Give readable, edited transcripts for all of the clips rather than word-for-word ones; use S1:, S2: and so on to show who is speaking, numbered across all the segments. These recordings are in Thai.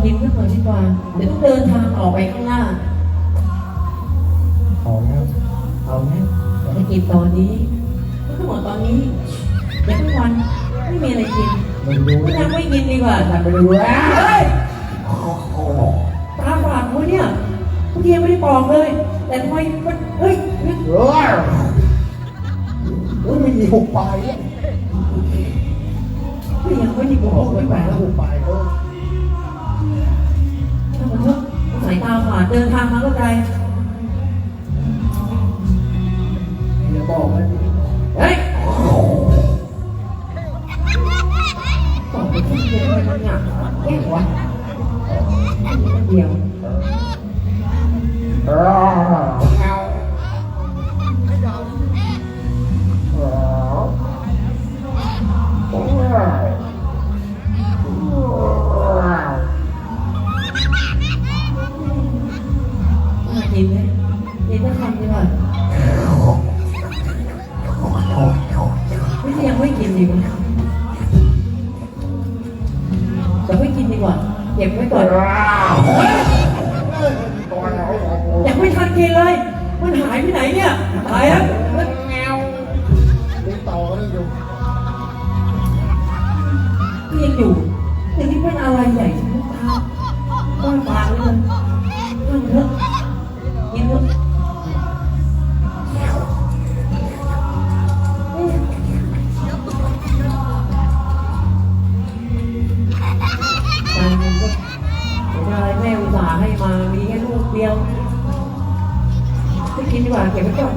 S1: กินสักหน่อยดีกว่าเดี๋ยวต้องเดินทางออกไปข้างหน้าเอาแล้วอย่าไปกินตอนนี้ทั้งหมดตอนนี้เดี๋ยวทุกวันไม่มีอะไรกินไม่ทำไม่กินดีกว่าทำไปดูเฮ้ยตาฝาดกูเนี่ยทุกทีไม่ได้บอกเลยแต่ทำไมมันเฮ้ย
S2: ไม่มีหุบปลายเนี่ย
S1: ยังไม่ได้บอกเลย
S2: แปลแล้วหุบปลาย
S1: ถ้ามันเถอะสายตาฝาดเดินทางมาก็ไกล
S2: อย่าบอกมัน
S1: เฮ้ยบอกไปที่เดียวมันหนักแย่วะเดียวกินไหมกินก็ทำดีกว่าไม่ใช่ยังไม่กินดีกว่าจะไม่กินดีกว่าเก็บไว้ก่อนยังไม่ทันกินเลยมันหายไปไหนเนี่ยหายแล้ว
S2: ติดต่อกันอยู่
S1: ยังอยู่แต่นี่เป็นอะไรใหญ่ทุกทางต้นปากเลยต้นเถอะกินเถอะอะไรแม่อุตส่าห์ให้มามีแค่ลูกเดียวจะกินดีกว่าเก็บไว้ก่อน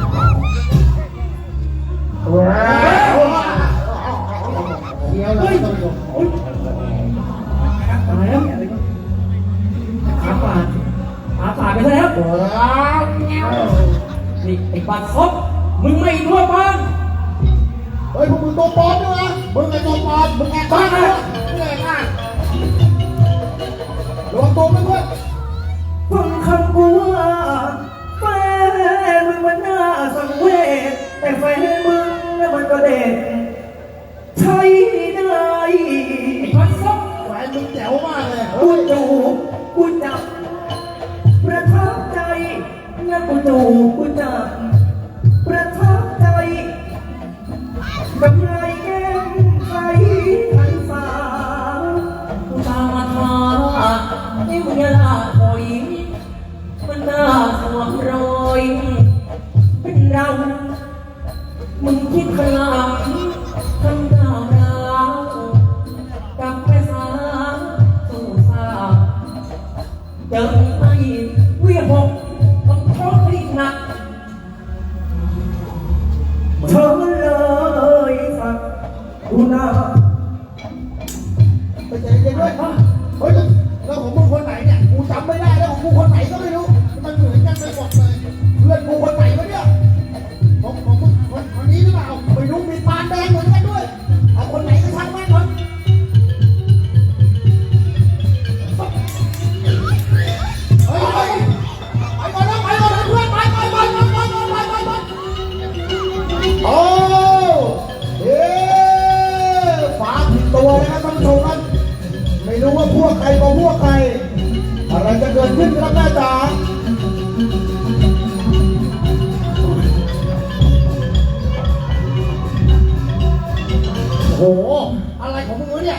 S2: เดี๋ยวเลย
S1: ตายแล้วขาฝาดไปแล้วนี่ไอ้บัตรครบมึงไม่รู้บ้าง
S2: เฮ้ยพวกมึงตัวปลอมด้วยนะมึงไอ้ตัวปลอมมึงแอบบ้าเลยมึงแอบบ้าระวังตัวมันด้วย
S1: ฟังคำกูว่าแฟนมึงมันน่าสังเวชแต่แฟนมึงน่ะมันก็เด็ดใช่ได้ไอ้บัตรครบ
S2: แฟนมึงแจ๋วมากเลย
S1: กูจูบกูจับประทับใจนะกูจูบกูจับประทับใจกับไรแก้มใครทันฟ้ากูตามมาทาให้มึงอย่าละถอยมันน่าสวมรอยเป็นเรามึงคิดพลังทำดาวดาวกับไปสาสู่สาเจอไอ้เวียบกต้องโทษให้หนักเธอเลยสักกูน่า
S2: ไปเจอกันด้วยเฮ้ยแล้วของมึงคนไหนเนี่ยกูจำไม่ได้แล้วของกูคนไหนก็ไม่รู้มันเหมือนกันไปหมดเลยเพื่อนกูคนไหนวะเนี่ยของมึงคนนี้หรือเปล่าไม่รู้มีปานแดงเหมือนกันด้วยเอาคนไหนก็ช่างแม่งคนเฮ้ยไปก่อนนะเพื่อนไปโอ้เฮ้ฟ้าผิดตัวนะครับท่านผู้ชมครับไม่รู้ว่าพวกใครกับพวกใครอะไรจะเกิดขึ้นครับแม่จ๋าโอ้โหอะไรของมึงวะเนี่ย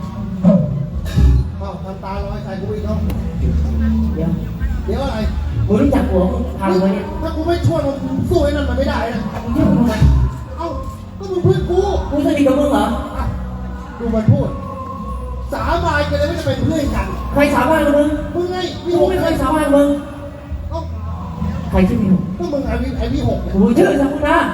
S2: ทำตาลอยใส่กูอีกเนาะเดี๋ยวอะไร
S1: มึงรู้จักหัวมึงทำไว้เนี่ย
S2: ถ้ากูไม่ช่วยมึงสู้ไอ้นั่นมันไม่ได้นะ
S1: มึงช่วยมึงทำไม
S2: เอ้าก็มึงเพื่อนกู
S1: สนิทกับมึงเหรอ
S2: ดูมันพูดสาบานกันเลยไม่จะเป็นเพื่อนกัน
S1: ใครสาบานกับมึง
S2: ไง
S1: พี่หกไม่เคยสาบานกับมึงใครชื่อพี่หก
S2: ก็มึงไอ้พี่หก
S1: กูชื่อสักุระ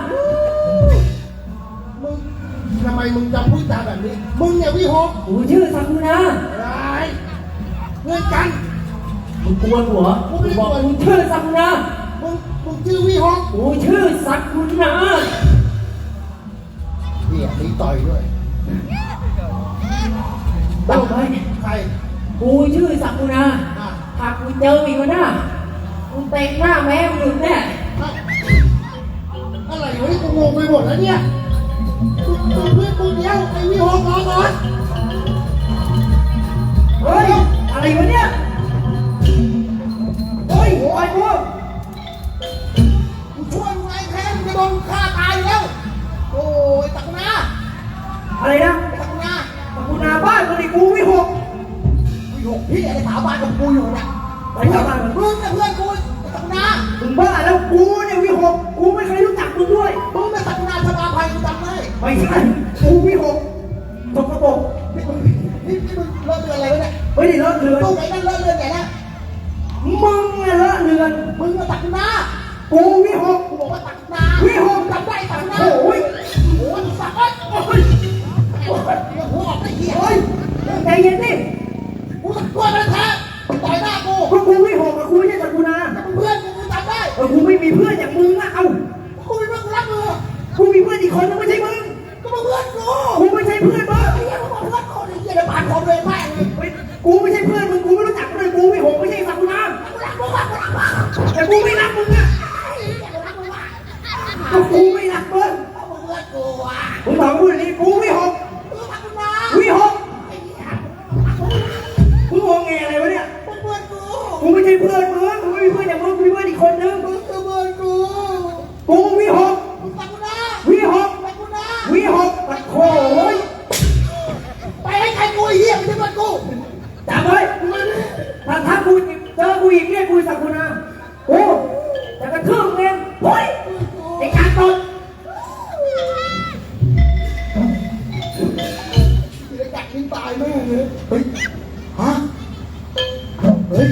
S2: มึงทำไมมึงจำพูดจาแบบนี้มึงเนี่ยพี่หก
S1: กูชื่อสักุระ
S2: อะไรเพื่อนกัน
S1: มึงกลัวหัวกูบอกมึงชื่อสักุระ
S2: มึงชื่อพี่หก
S1: กูชื่อสักุระ
S2: เดี๋ยวมีต่อยด้วย
S1: ตั้งไว้
S2: ใคร
S1: กูชื่อสักุระหากกูเจออีกคนหน้ากูเตะหน้าแม่มึงหยุดแน่
S2: อะไรวะนี่กูงงไปหมดแล้วเนี่ยเพื่อนกูเดียวไอ้วิหกรอก่อน
S1: เฮ้ยอะไร
S2: พี่ไอ้สาวบ้านกับกูอยู่เนี่ย
S1: ไปสาบานกับ
S2: มึงเนี่ยเพื่อนกูตักนา
S1: มึงบ้าแล้วกูเนี่ยวิหกกูไม่เคยรู้จักมึงด้วย
S2: มึงเนี่ยตักนาสมาภัยกูจำได้
S1: ไม่ใช่กูวิหกตกกระบอก
S2: นี่มึงเลิกเดือนอะไรวะเนี่ย
S1: ไม่ได้เลอะเลือน
S2: ตู้ไหนนั่นเลิกเดือนไหนนะ
S1: มึงเนี่ยเลอะเลือน
S2: มึงเนี่ยตักนา
S1: กูวิหก
S2: กูบอกว่าตักนา
S1: วิหก
S2: จำได้ตักนา
S1: โอ้ย
S2: โอ้ยสักโอ้ยโอ้ยเดี๋ยวหัวออกไม่เหี้ย
S1: โอ้ยใจเย็นดิ
S2: กูตะกล้วยมันแท้ต่อยหน้ากู
S1: ก็กูวิหกกับกูไม่ใช่สักกูนา
S2: มึงเพื่อนกูจำได้
S1: กูไม่มีเพื่อนอย่างมึงอะเอ้า
S2: กูเป็นเพื่อนกูรักมึง
S1: กูมีเพื่อนอีกคนนึงไม่ใช่มึง
S2: ก็มึงเพื่อนกู
S1: กูไม่ใช่เพื่อนมึง
S2: ไอ้เหี้ยมึงบอกเพื่อนคนไอ้เหี้ยเดี๋ยวผ่านคนเลยแม่งเลย
S1: เฮ้ยกูไม่ใช่เพื่อนมึงกูไม่รู้จักเลยกูวิหกไม่ใช่สักกูนา
S2: กูรักมึงมากกูรักมึง
S1: แต่กูไม่รักมึงอะ
S2: ไอ้เหี้ยกูรักมึงมาก
S1: ก็กูไม่รักมึง
S2: เอามึงเพื่อนกูอ่ะ
S1: มึงถามกูอย่างนี้กูวิหก
S2: มึงรักมึงนะ
S1: วิหก
S2: ไอ้เหี้ย
S1: มึงงงแงอะไรวะเนี่ย
S2: มึงเพื่อนกู
S1: กูไม่ใช่เพื่อนมึงกูไม่มีเพื่อนอย่างมึงกูมีเพื่อนอีกคนนึง
S2: มึงคือเพื่อนกู
S1: กูวิหก
S2: มึงรักกูนะ
S1: วิหก
S2: รักกูนะ
S1: วิหกตะโขย
S2: ไปให้ใครกูไอ้เหี้ยไม่ใช่เพื่อนกู
S1: จำไว้ถ้ากูเจอกูอีกเนี่ยกูสักกูนากูจะกระทืบเองเฮ้ยไอ้การตด
S2: เดี๋ยวกัดทิ้งตายแม่งเลยเฮ้ยฮะเฮ้ย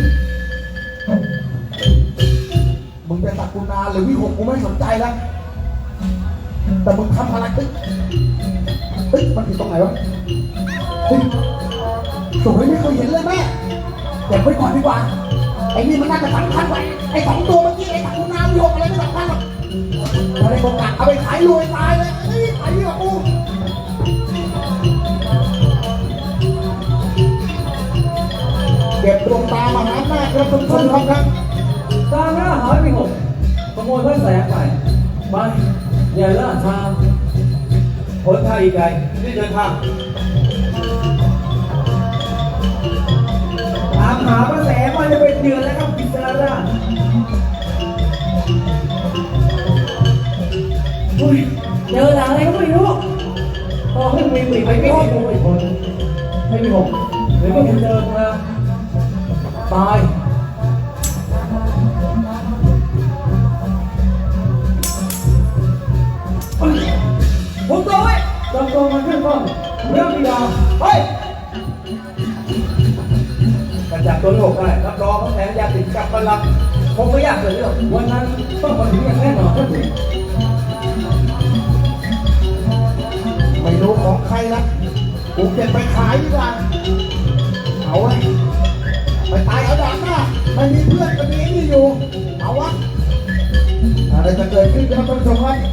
S2: มึงเป็นตักกูนาหรือวิหกกูไม่สนใจแล้วแต่มึงทำอะไรเฮ้ยมันผิดตรงไหนวะเฮ้ยสวยไม่เคยเห็นเลยแม่เก็บไว้ก่อนดีกว่าไอ้นี่มันน่าจะสำคัญกว่าไอ้สองตัวเมื่อกี้ไอ้ตักกูนาวิหกอะไรไม่สำคัญหรอกเอาไปโอกาสเอาไปขายรวยตายเลยเฮ้ยขายดีกว่ากู เก็บดวงตามหาหน้าครับทุกคนครับ
S1: ตามหน้าหายไปหกขโมยพระแสงไปไปอย่าล่าช้าผลทางอีกไกลที่เดินทางตามหาพระแสงมาจะเป็นเดือนแล้วครับพิจารณาอุ้ยเจอหลังอะไรก็ไม่รู้ก็ให้มีปีกไปไม่ให้กูอีกคนให้มีหกหรือก็มีเจอมาตายผมตัวไว้จำตัวมันขึ้นบ้างเรื่องดีดาเฮ้ยกระจับตัวโลกได้รับรองเขาแทนยาติดกับพลังคงไม่ยากเลยเรื่องวันนั้นต้องมาถึงอย่างแน่นอนก็ถึง
S2: ไม่รู้ของใครละกูเก็บไปขายดีกว่าเอาไว้ไปตายเอาดาบหน้าไม่มีเพื่อนก็มีไอ้นี่อยู่เอาวะอะไรจะเกิดขึ้นครับท่านผู้ชมครับ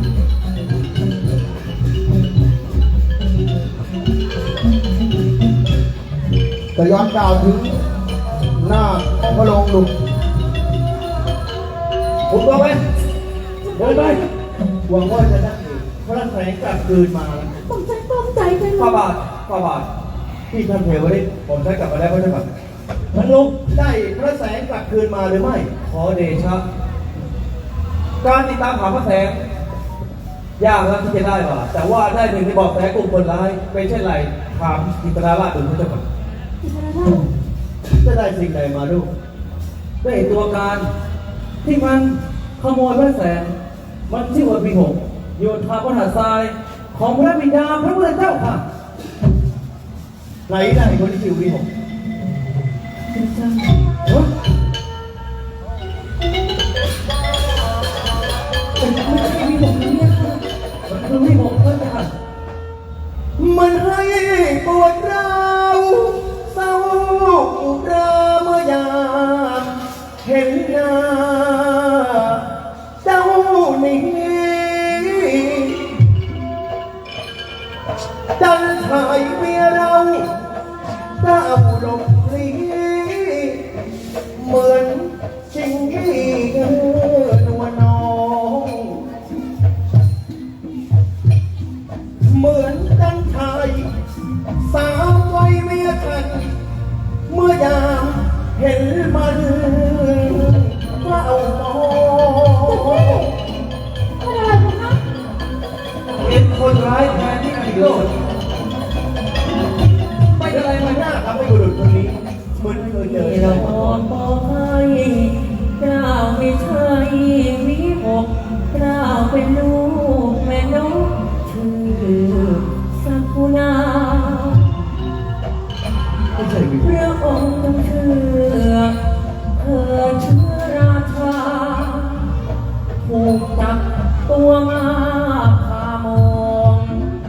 S2: จะย้อนกล่าวถึงหน้าพระโรงหลุม
S1: ผมตัวไปเดินไปหวังว่าจะได้พระแสงกลับคืนมาแล้ว
S3: ผมฉันปลื้มใจจังเล
S1: ฝ่าย บาทฝ่าบาทที่ท่านเทวริตผมได้กลับมาแล้วพระเจ้าค่ะท่านลุงได้พระแสงกลับคืนมาหรือไม่ ขอเดชะการติดตามหาพระแสงยากแล้วที่จะได้มาแต่ว่าได้หนึ่งในบอกแสกลุ่มคนร้ายเป็นเช่นไรถามกิตนาราชดูพระเจ้าค่ะ
S3: อิสระราช
S1: จะได้สิ่งใดมาลูกได้ตัวการที่มันขโมยพระแสงมันชื่อว่าปีหกโยธาพระหัตถ์ทรายของพระบิดาพระพุทธเจ้าค่ะไหนได้คนที่ชื่อปีหก
S3: เป็นจัง
S1: เฮ้ย
S3: เป็นจังไม่ใช่มีผมเนี่ยค่ะ
S1: มันคือปีหกเพื่อนกันมันให้ปวดร้าวเศร้าราเมื่อยามเห็นหน้าเจ้านี้ จันทายเมียเราเจ้าหลงลีเหมือนชิงที่นวลน้องเหมือนจันทายสาวไว้เมียกันเมื่อยามเห็นมันเฝ้ามอง
S3: เป็นอะไรกันคะ
S1: เป็นคนร้ายแทนที่กิโลดไม่เป็นไรมันยากทำให้บุรุษคนนี้
S2: ไม่ใช่วิ
S1: พระองค์ต้องเชื่อเถิดเชื้อราชาถูกจับตัวมาพามอง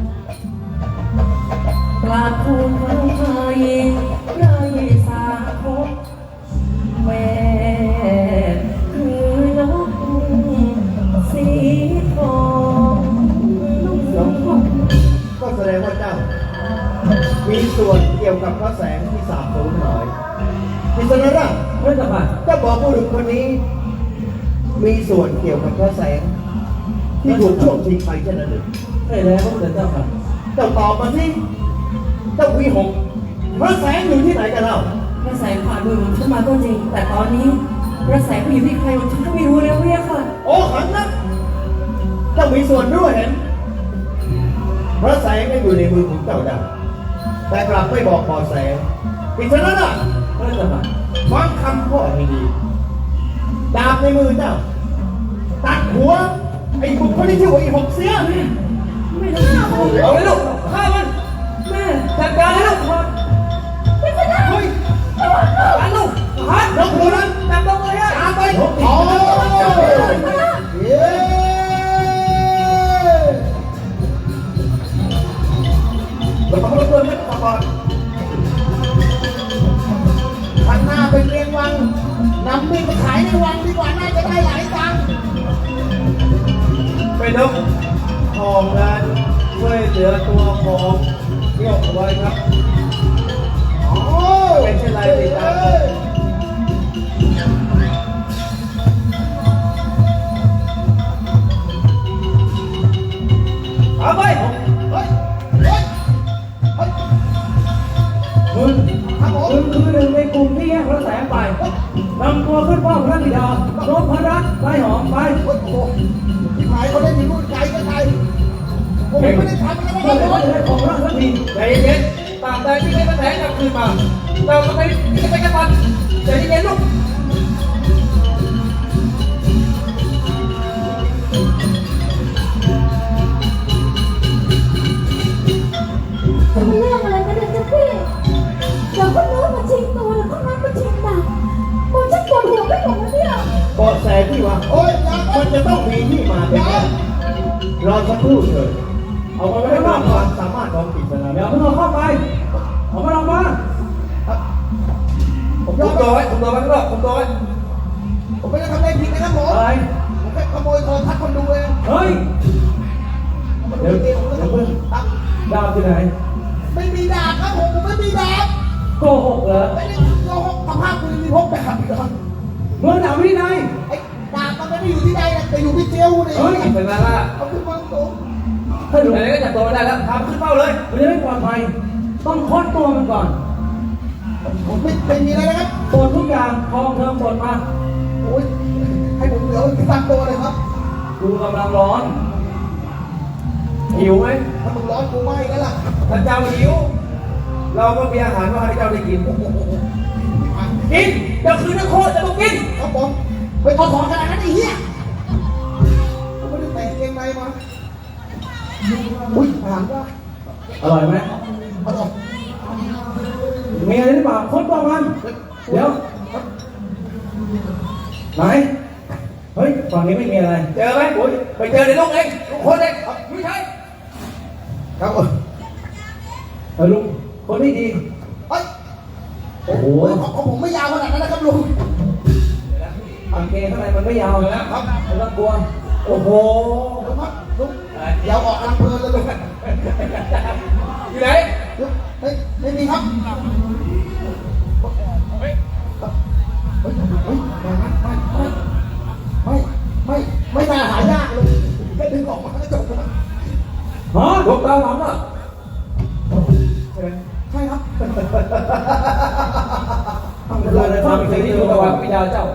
S1: กราบทูลพระไทยไรสาคบแม่คือนกสีทองลูกสมพงษ์
S2: ก็แสดงว่าเจ้า มีส่วนเกี่ยวกับพระแสงที่สาบสูญหายพิศนาพระเจ้าค่ะเจ้าบอกผู้หญิงคนนี้ มีส่วนเกี่ยวกับพระแสง ที่ถูกช่วงชิงไปเช่นนั้นหรือ
S1: ใช่แล้วพระพุทธเจ้าค่ะ
S2: เจ้าตอบมาสิเจ้าวีหงพระแสงอยู่ที่ไหนกันเล่า
S3: พระแสงผ่านมือผมฉันมาก็จริง แต่ตอนนี้พระแสงไปอยู่ที่ใครผมฉันก็ไม่รู้แล้วเนี่ยค่ะ
S2: โอ้ขันนะเจ้ามีส่วนด้วยเห็นพระแสงก็อยู่ในมือของเจ้าได้แต่กลับไม่บอกพอแสงพิศนาพระเจ้าค่ะฟังคำพ่อให้ดีดาบในมือเจ้าตัดหัวไอ้บุคคลที่ชื่อว่าไอ้หกเสีย
S3: ไม่ต้องฆ่ามัน
S2: เอาเลยลูกฆ่ามัน
S3: แม่
S2: จัดการเลยลูกเฮ้ยหันลูกหันลงหัวนั้นจับลงเลยฮะตามไปโอ้เย้เราต้องรบกวนไม่ต้องก่อนข้างหน้าเป็นเรียงวังนำมีดมาขายในวังดีกว่าน่าจะได้หลายตังค์ไปนกทองนั้นช่วยเหลือตัวของเที่ยวเอาไว้ครับเป็นเช่นไรติดตามเอาไปเฮ้ยเฮ้ยเฮ้ย
S1: มึง
S2: ครับผม
S1: มึงคือหนึ่งในกลุ่มที่แยกพระแสงไปนำตัวขึ้นเฝ้าพระบิดานพรัตน์ไร้หอมไป
S2: โอ้โหที่หายเขาได้ยินพูดไกลกันไกลผมไม่ได้ทำอะไร
S1: เพื่อ
S2: เลย
S1: จะได้ของรักสักที
S4: ใจเย็นๆตามใดที่ไม่มาแถงกลับคืนมา เราก็ไม่จะไปกันมันใจเย็นๆลูก
S3: จะมีเรื่องอะไรกันเนี่ยเจ้าพี่เดี๋ยวคนโน้นมาชิงตัวแล้วคนนั้นมาชิงดาบผมชักปวดหัวไปหมดแล้วเนี่ย
S2: เบาะแสที่ว่าโอ้ยมันจะต้องมีที่มาเป็นแน่รอสักครู่เถิด
S1: เอามา
S2: ไม่
S1: ไว้
S2: ได้
S1: ข้างน
S2: ว่า
S1: อก
S2: ความสามารถของกิจนา
S1: เดี๋ยวเพิ่งเอาเข้าไปเอามาลงมา
S2: ผม
S4: คุ
S2: ยอ
S4: ม
S2: ม
S4: ตัว
S2: รับ
S4: ไว้คุมตัวไว้ข้างนอกคุมตัวไว้
S2: ผมไม่ได้ทำอะไรผิดนะครับผม
S1: อะไร
S2: ผมแค่ขโมยโทรทัศน์คนดูเอง
S1: เฮ้ย
S2: เดี๋ยวเดี๋ยวเพิ่งครับ
S1: ดาวที่ไหน
S2: ไม่มีดาบครับผมไม่มีดาบ
S1: โกหกเหรอ
S2: ไม่ได้โกหกสภาพคุณมีพกดาบเหรอ
S1: เมื่อดาวที่ไหน
S2: ไอ้ดาบมันไม่ได้อยู่ที่ใดนะแต่อยู่ที่เจียวนี่
S1: เฮ้ย
S4: เป็นไงล่ะ
S2: เอาขึ้นมาตรง
S1: ถ้าดู
S4: ไหนๆก็จับตัวไม่ได้แล้วพาขึ้นเป้าเลย
S1: มันจะไม่ปลอดภัยต้องค้นตัวมันก่อน
S2: ผมไม่มีอะไรนะครับ
S1: ตรวจทุกอย่างทองเทิงตรวจมา
S2: โอ้ยให้ผมเหลือตั้งตัวเลยครับ
S1: กูกำลังร้อน
S4: หิวไหม
S2: ถ้ามึงร้อนกูไหม้แล้วล่ะ
S4: ถ้าเจ้าหิว เราก็มีอาหารมาให้เจ้าได้กิน กินเจ้าคือนักโทษจะต้องกิน
S2: ครับผมไปเอาของขนาดนั้นไอ้เหี้ยผมไม่ได้แต่งเกงในมาอุ้ยอาหารว่า
S1: อร่อยไหม
S2: อร่อย
S1: มีอะไรหรือเปล่าค้นตัวมันเดี๋ยวไหนเฮ้ยฝั่งนี้ไม่มีอะไร
S4: เจอไหมโอ้ยไปเจอในลูกเองลูกคนเองไม่ใช่
S2: ครับผม
S1: ลุงคนนี้ดี
S2: เฮ้ย
S1: โอ้โห
S2: ของผมไม่ยาวขนาดนั้นนะครับลุง
S1: กางเกงข้างในมันไม่ยาวนะครับไม่ต้องกลัวโอ้โห
S2: ลุงครับลุงยาวออกกำลังเพลินเลยลุง
S4: อยู่ไหน
S2: ลุงเฮ้ยไม่มีครับเฮ้ยเฮ้ยไม่น่าหายากลุงแค่ดึงออกมาก็จบแล้ว
S1: ฮะ
S4: ลูกตาหลังอ่ะ
S2: ใช่ครับ
S1: ทำอะไร
S4: ฟัง
S1: ทำ
S4: สิ่
S1: สิ่
S4: ง
S1: ง
S4: ที่
S1: ที่
S4: อ
S1: อยู่ ยู่
S4: กั
S1: กั
S4: บบ วั
S1: วัน น
S4: วิญญาณเจ้า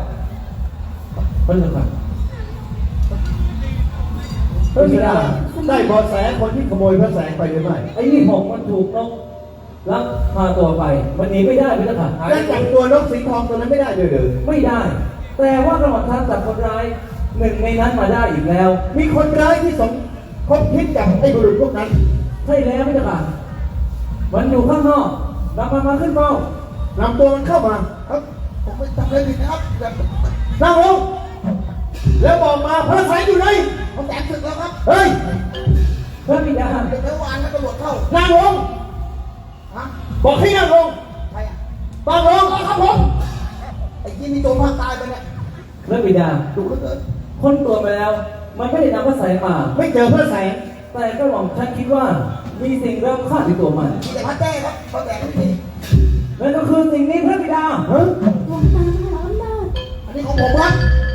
S1: เพิ่งได้
S2: ได้เบาะแสคนที่ขโมยพระแสงไปหรือไม่
S1: ไอ้นี่หกมันถูกนกลักพาตัวไปมันหนีไม่ได้ไม่ต้อง
S2: และจับตัวนกสีทองตัวนั้นไม่ได้เลยหรือ
S1: ไม่ได้ แต่ว่ากระหม่อมท่านจับคนร้ายหนึ่งในนั้นมาได้อีกแล้ว
S2: มีคนร้ายที่สมคบคิดกับไอ้บุรุษพวกนั้น
S1: ใช่แล้วไม่ต้องมันอยู่ข้างนอก
S4: นำมันมาขึ้นเฝ้าน
S2: ำตัวมันเข้ามาครับผมไม่จำเลยผิดนะครับแบบ
S4: นั่งลงแล้วบอกมาพระสายอยู่ไหน
S2: ผมแตกศึกแล้วครับ
S4: เฮ้ยพระบิดา
S2: เดี๋ยววานแล้วตำรวจเข้า
S4: นั่งลง
S2: ฮะ
S4: บอกให้นั่งลง
S2: ใครอ่ะ
S4: นั่งลง
S2: ครับผมไอ้ที่มีโจรภาคใต้ไปเนี่ย
S4: พระบิดา
S2: ดูเขาเกิด
S4: ค้นตัวไปแล้ว มันไม่ได้นำพระสายมา ไม่เจอพระสายแต่ก็หวังท่านคิดว่ามีสิ่งเริ่มฆ่าในตัวมัน
S2: มีแต่พระแจ้ครับพระแจ้ไม่มี
S4: นั่นก็คือสิ่งนี้พระบิดาเฮ้ย
S3: หลวงตามหาอำนาจ
S2: อันนี้ของผมครับ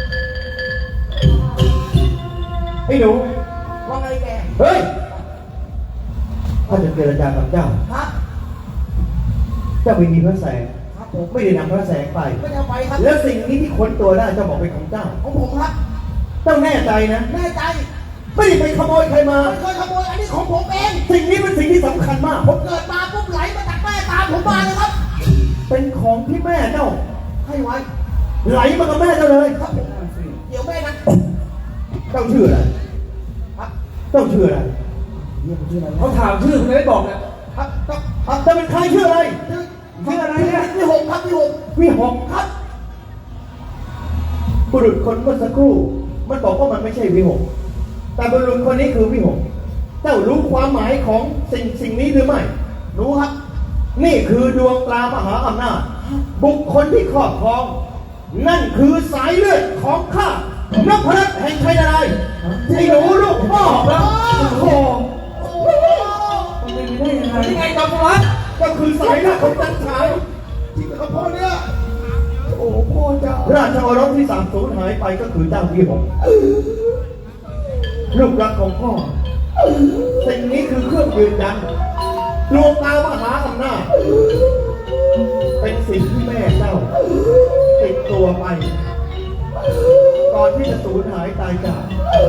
S4: ไอ้หนู
S2: ว่าไงแก
S4: เฮ้ยข้าจะเจรจากับเจ้า
S2: ครับ
S4: เจ้าไม่มีพระแสง
S2: ครับผม
S4: ไม่ได้นำพระแสงไป
S2: ไม่ได้เอาไปครับ
S4: แล้วสิ่งนี้ที่ค้นตัวได้เจ้าบอกเป็นของเจ้า
S2: ของผมครับ
S4: เจ้าแน่ใจนะ
S2: แน่ใจ
S4: ไม่ได้ไปขโมยใครมา
S2: ไม่เคยขโมยอันนี้ของผมเอง
S4: สิ่งนี้เป็นสิ่งที่สำคัญมาก
S2: ผมเกิดมาปุ๊บไหลมาจากแม่ตามผมมาเลยครับ
S4: เป็นของที่แม่เจ้า
S2: ให้ไว้
S4: ไหลมากับแม่เจ้าเลย
S2: ครับผมเดี๋ยวแม่นะ
S4: เจ้าชื่ออะไร
S2: ครับ
S4: เจ้าชื่ออะไร
S2: เรียกผมชื่ออะไร
S4: เขาถามชื่อคุณไม่ได้บอกนะครับ
S2: ครับ
S4: เจ้าเป็นใครชื่ออะไร
S2: ชื่ออะไรเนี่ยพี่หงครับพี่หง
S4: วิหก
S2: ครับ
S4: บุรุษคนเมื่อสักครู่ มันบอกว่ามันไม่ใช่วิหกแต่บุรุษคนนี้คือวิหกเจ้ารู้ความหมายของสิ่งนี้หรือไม่
S2: รู้ครับ
S4: นี่คือดวงตามหาอำนาจบุคคลที่ครอบครอง นั่นคือสายเลือดของข้านพรัตน์แห่งชัยนารายณ์ไอ้หนูลูกพ่อแล้วโอ้โห
S2: โอ้
S4: มันเป็นไปได้ยังไงนี่ไงจอมพลัดก็คือสายเลือดของจันทราย
S2: จริงเหรอครับพ่อเนี่ยโอ้พ่อเจ้า
S4: ราชโอรสที่สามสูญหายไปก็คือเจ้าวิหกลูกรักของพ่อสิ่งนี้คือเครื่องยืนยันดวงตามหาอำนาจเป็นสิ่งที่แม่เจ้าติดตัวไป ก่อนที่จะสูญหายตายจาก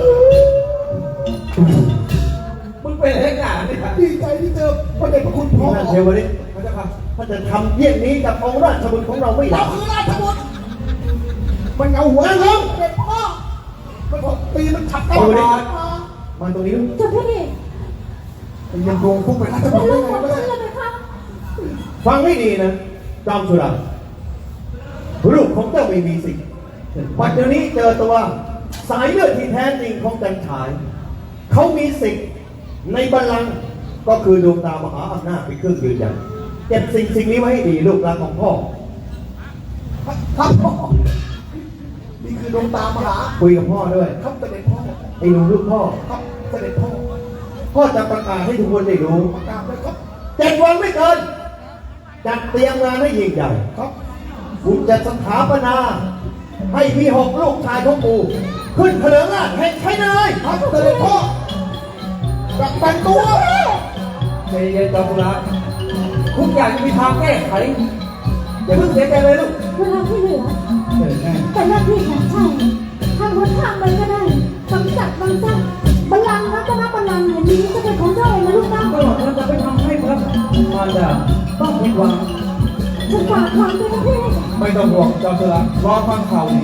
S4: มึงเป็นอะไรกันเนี่ย
S2: ดีใจที่เจอพระเดชพระคุณพ่อ
S4: ท่านเทวฤทธิ์พระเจ้าค่ะถ้าจะทำเยี่ยงนี้กับองค์ราชบุตรของเราไม่
S2: เรา
S4: ได้
S2: คือราชบุตรมันเอาหัวลงเด็กพ่อมันบอกปีมันขับตลอด
S4: มาตรงนี้
S3: เจ้าพี่
S2: ยังโดนพวกไปราช
S3: เป็
S2: บุ
S3: น
S2: ตร
S3: ลู
S2: ได้
S3: ก
S2: ไง
S3: ของ
S2: ไม่
S3: ฉั
S2: ได้
S3: นเลยไหมคะ
S4: ฟังให้ดีนะจอมสุราลูกของเจ้าไม่มีสิทธิ์วันเดี๋ยวนี้เจอตัวสายเลือดที่แท้จริงของจันฉาย เขามีสิทธิ์ในบัลลังก์ก็คือดวงตามหาอำนาจเป็นเครื่องยืนยันเก็บสิ่งนี้ไว้ให้ดีลูกรักของพ่อ
S2: ครับพ่อนี่คือดวงตามหา
S4: คุยกับพ่อด้วย
S2: ครับเสด็จพ่อ
S4: ไอ้หนูลูกพ่อ
S2: ครับเสด็จพ่อ
S4: พ่อจะประกาศให้ทุกคนได้รู้
S2: ประกาศเลยครับ
S4: 7 วันไม่เกินจัดเตรียมงานให้ยิ่งใหญ่
S2: ครับ
S4: คุณจะสถาปนา ให้มี6 ลูกชายของกูขึ้นเถลิงราชย์แห่งชัยนารายณ์
S2: ครับเสด็จพ่อจับแต่งตัว
S4: ใจเย็นๆจอมพลัดทุกอย่างจะมีทางแก้ไขอย่าเพิ่งเสียใจเลยลูก
S3: เวลาที่เหลือ
S4: เออแน่
S3: เป็นหน้าที่ของชายทางหนทางมันก็ได้กำจัดมันซะบัลลังก์รัตนบัลลังก์แห่งนี้จะเป็นของเจ้าเองนะลูกนะ
S4: ก็เราจะไปทำให้พระมารดาต้องผิดหวัง
S3: ฉันฝากความด้วยนะพี่
S4: ไม่ต้องห่วงจอมพลัดรอฟังข่าวดี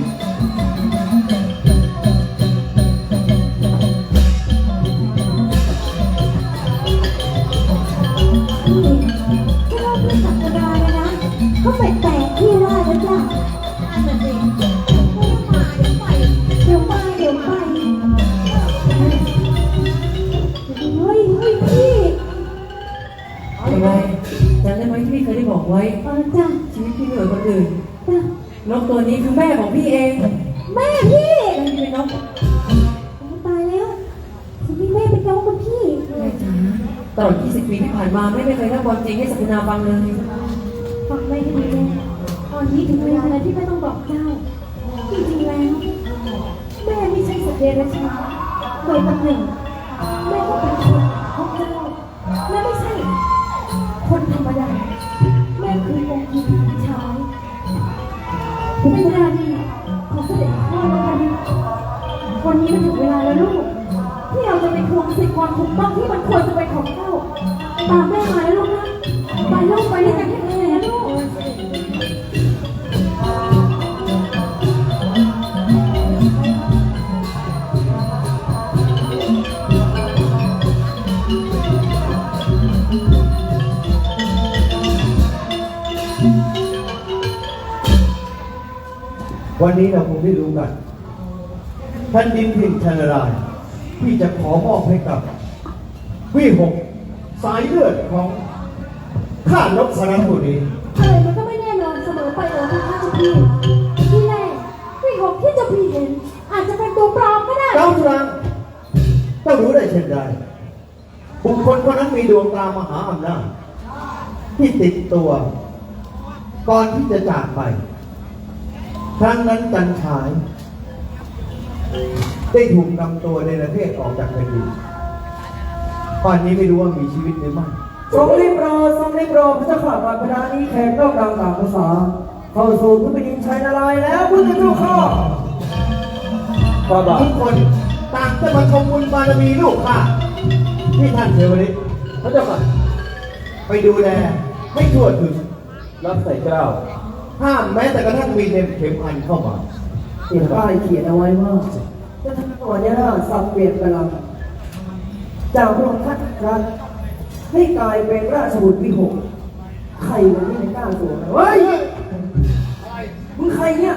S3: พี่ถ้าเราไม่จับกระดาเลยนะเขาแปลกๆพี่ว่าแล้วจ้ะนั่นสิเดี๋ยวไปเดี๋ยวไปเฮ้ยพี่
S5: ยังไงจำได้ไหมที่พี่เคยได้บอกไว้
S3: จ้ะ
S5: ชีวิตพี่ไม่เหมือนคนอื่น
S3: จ้ะ
S5: นกตัวนี้คือแม่ของพี่เอง
S3: แม่พี่
S5: แม่ที่เป็นนก
S3: ตายแล้วคุณพี่แม่เป็นน้องกับพี่
S5: แม่จ๋าตลอด 20 ปีที่ผ่านมาแม่ไม่เคยเล่าความจริงให้สักนาฟังเลย
S3: ฟังไม่ดีเลยตอนนี้ถึงเวลาแล้วที่แม่ต้องบอกเจ้าจริงๆแล้วแม่ไม่ใช่สัตว์เดรัจฉานโดยตำแหน่งแม่ก็เป็นคนของเจ้าและไม่ใช่คนธรรมดาแม่คือองค์หญิงชายเป็นราณีของเสด็จพ่อแล้ววันนี้มันถึงเวลาแล้วลูกที่เราจะไปทวงสิทธิความถูกต้องที่มันควรจะเป็นของเจ้าตามแม่มาแล้วลูกนะไปลูกไปด้วยกันแท้ๆนะลูก
S4: วันนี้เราคงได้รู้กันแผ่นดินถิ่นชันนารายณ์ที่จะขอมอบให้กับวิหกสายเลือดของข้านพสรบุรี
S3: อะไรมันก็ไม่แน่นอนเสมอไปเลยที่ข้าเจ้าพี่ที่แรกวิหกที่เจ้าพี่เห็น อาจจะเป็นตัวปลอมก็ได้
S4: เจ้าจุรังเจ้ารู้ได้เช่นไรบุคคลคนนั้นมีดวงตามหาอำนาจที่ติดตัว ก่อนที่จะจากไปครั้งนั้นจันฉายได้ถูกนำตัวในประเทศออกจากแผ่นดินป่านนี้ไม่รู้ว่ามีชีวิตหรือไม่
S1: ทรงรีบรอทรงรีบรอพระเจ้าข่าบาดพระดานี้แขกนอกดังต่างภาษาเข้าสู่พระบิดาชัยนารายณ์แล้วพุทธเจ้าข้า
S4: ทุกคนต่างจะมาชมบุญบารมีลูกข้าที่ท่านเทวฤทธิ์พระเจ้าค่ะไปดูแลให้ทั่วถึงรับใส่เกล้าห้ามแม้แต่กระทั่งมีเข็มพันเข้ามา
S1: เขียนป้ายเขียนเอาไว้ว่าจะทำตัวเนี่ยนะสับเปลี่ยนกำลังจากพระองค์ท่านรัฐให้กลายเป็นราชบุตรวิหกใครมันไม่ได้กล้าสวมเฮ้ยมึงใครเนี่ย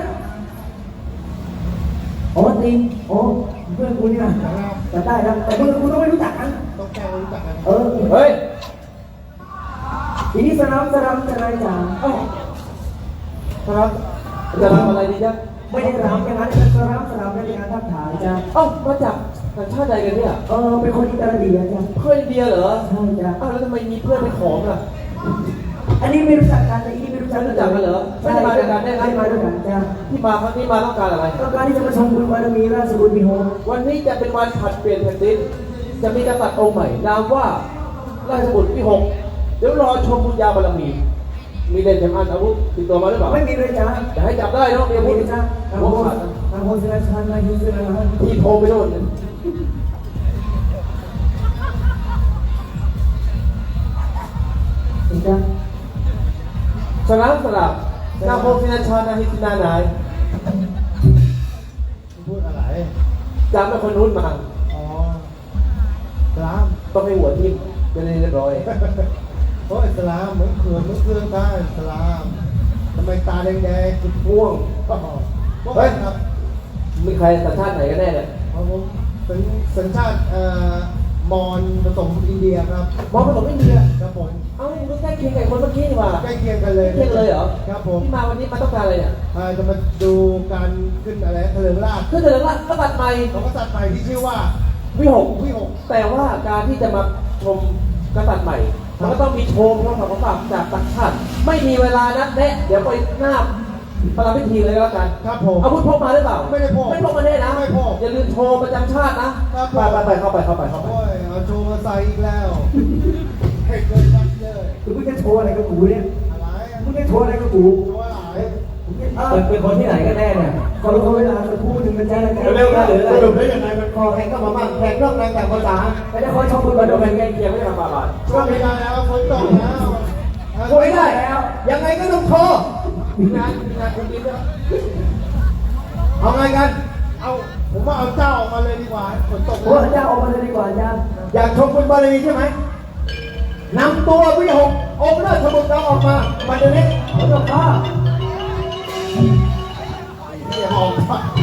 S1: อ๋อจริงอ๋อเพื่อนกูเนี่ยแต่ได้แล้วแต่มึงกูต้องไม่รู้จักกัน
S2: ต้องแก้รู้จักกัน
S4: เฮ้ย
S1: ทีนี้สนามจะไรจ๋าเอ้า
S4: ครับจะทำอะไรดีจ๊ะ
S1: ไม่ได้รำอย่างนั้นสนามในงานทักทายจ้า
S5: เอ้ามาจากสัญชาติใดกันเนี่ย
S1: เป็นคนอิตาลีจ้า
S5: เพื่อนอินเดียเหรอ
S1: ใช่จ้า
S5: อ้าวแล้วทำไมมีเพื่อนเป็นของอ่ะ
S1: อันนี้ไม่รู้จักกันแต่อีนี่ไม่รู้จัก
S5: รู้จักกันเหรอไม่ได้มาด้วยกันได้ไง
S1: ไม่มาด้วยกันจ้า
S5: ที่มาครั้งนี้มาต้องการอะไร
S1: ต้องการที่จะมาชมบุญบารมีราชบุตรวิหก
S5: วันนี้จะเป็นวันผลัดเปลี่ยนแผ่นดิน จะมีกษัตริย์องค์ใหม่นามว่าราชบุตรที่ 6 เดี๋ยวรอชมบุญญาบารมี มีเล่นเข็มอันอาวุธติดตัวมาหรือเปล่า
S1: ไม่มีเลยจ้า
S5: จะให้จับได้เนาะมีอาวุ
S1: ไม่
S5: ธ
S1: มีจ้าทาง
S5: หัว
S1: โฮ
S5: ขาดนะ
S1: ทางโฮเซลชันนายฮิสนะ
S5: ที่โทรไปโน่น
S1: ถึงจ้า
S5: สลามสลับนาโพฟินาชานาฮิตินานาย
S2: พูดอะไร
S5: จำเป็นคนนู้นมา
S2: อ๋อสลาม
S5: ต้องให้หัวทิ่มจะได้เรียบร้อย
S2: โอ้ยสลามเหมือนเขื่อนเหมือนเครื่องได้สลามทำไมตาแดงๆจุดม่วงเฮ้ยครับ
S5: มีใครสัญชาติไหนกันแน่เนี่ย
S2: ครับผมเป็นสัญชาติมอญผสมอินเดียครับ
S5: มองผสมอินเดีย
S2: ครับผม
S5: เอ้ามันใกล้เคียงกับคนเมื่อกี้นี่หว่า
S2: ใกล้เคียงกันเลย
S5: เคียงเลยเหรอ
S2: ครับผม
S5: ที่มาวันนี้มาต้องการอะไรเนี่ย
S2: จะมาดูการขึ้นอะไรเถลิงราช
S5: คือเดินละกษัตริย์ใหม่
S2: ของกษัตริย์ใหม่ที่ชื่อว่า
S5: วิหก
S2: วิหก
S5: แต่ว่าการที่จะมาชมกษัตริย์ใหม่มันก็ต้องมีโชว์พระของฝากจากต่างชาติไม่มีเวลานัดแนะเดี๋ยวไปหน้าประลับพิธีเลยก็แล้วกัน
S2: ครับผม
S5: อาวุธพกมาหรือเปล่า
S2: ไม่ได้พก
S5: ไม่พกมาแน่นะ
S2: ไม่พก
S5: อย่าลืมโชว์ประจำชาตินะครับ
S2: ผม
S5: ไปเข้าไป
S2: โอ้ยเอาโชว์มาใส่อีกแล้วให้เกินวัดเลย
S1: คือมึงจะโชว์อะไรกับกูเนี่ย
S2: อะไร
S1: มึงจะโชว์อะไรกับกู
S2: โชว์อะไร
S5: เป็นคนที่ไหนกันแน่เนี่ย
S1: ขอเวลาสักครู่หนึ่งนะจ๊ะ
S4: เร็วๆนะสรุปได้ยังไงมันคอแข่งเข้ามาบ้างแข่งนอกในแต่ภาษา
S1: ไม่ได้ขอชมบุญ
S5: มา
S1: บาร
S5: ดู
S1: มี
S5: เป็นใกล้เคียงไม่ได้ทำบาป
S2: ช่วยไม่ได้แล้วฝนตกแล้ว
S4: โวยได้แล้ว ยังไงก็ต้องโชว์
S5: งานคุณดิ๊ก
S4: เอาไงกัน
S2: เอาผมว่าเอาเจ้าออกมาเลยดีกว่าฝนตก
S1: โอ้เจ้าออกมาเลยดีกว่าจ้า
S4: อยากชมบุญบารมีใช่ไหมนำตัววิหกองค์ราชบุตรเราออกมาบัดเดี๋ยวนี้
S1: พระเจ้าข้า
S2: เหี้ยออก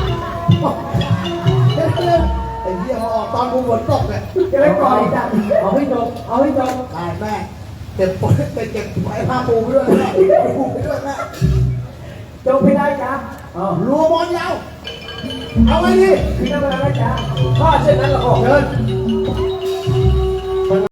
S2: ไอ้เหี้ยมาออกตอนกูฝนตกเนี่ย
S1: จะไม่ปล่อยจ้ะ
S5: เอาให้จบเอาให้จบ
S2: ตายแม่เก็บปุ๋ยไปเก็บไอ้ผ้าปูไปด้วยแม่ปูไปด้วยแม่
S1: จบไม่ได้จ้า
S2: รัวบอลยาวเอาไว้ดิ
S1: พี่น้ำมันอะไรจ้า
S5: ถ้าเช่นนั้นเราก็
S4: เชิญ